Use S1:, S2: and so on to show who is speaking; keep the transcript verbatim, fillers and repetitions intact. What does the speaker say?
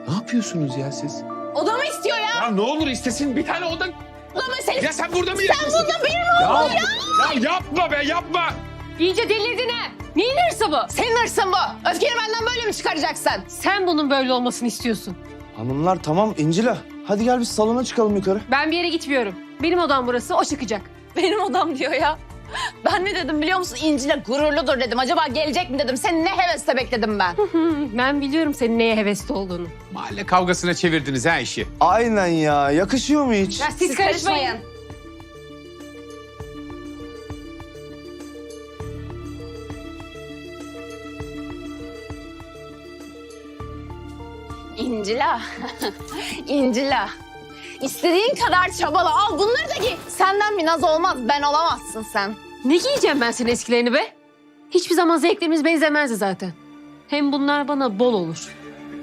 S1: Ne yapıyorsunuz ya siz?
S2: Oda mı istiyor ya?
S1: Ya ne olur istesin bir tane oda.
S2: Oda mı senin?
S1: Ya sen burada mı
S2: Sen
S1: yaşıyorsun?
S2: burada benim oğlum ya.
S1: Ya yapma be yapma.
S3: İyice delirdin ha. Neyin hırsı bu?
S2: Senin hırsın bu. Öfkeni benden böyle mi çıkaracaksın?
S3: Sen bunun böyle olmasını istiyorsun.
S4: Hanımlar tamam İncila. Hadi gel biz salona çıkalım yukarı.
S3: Ben bir yere gitmiyorum. Benim odam burası, o çıkacak.
S2: Benim odam diyor ya. Ben ne dedim biliyor musun? İncil'e gururludur dedim. Acaba gelecek mi dedim. Seni ne hevesle bekledim ben.
S3: Hmm, ben biliyorum senin neye hevesli olduğunu.
S1: Mahalle kavgasına çevirdiniz ha işi.
S4: Aynen ya. Yakışıyor mu hiç?
S3: Ya siz, karışmayın.
S2: İncila. İncila. İstediğin kadar çabala. Al bunları da giy. Senden bir naz olmaz. Ben olamazsın sen.
S3: Ne giyeceğim ben senin eskilerini be? Hiçbir zaman zevklerimiz benzemezdi zaten. Hem bunlar bana bol olur.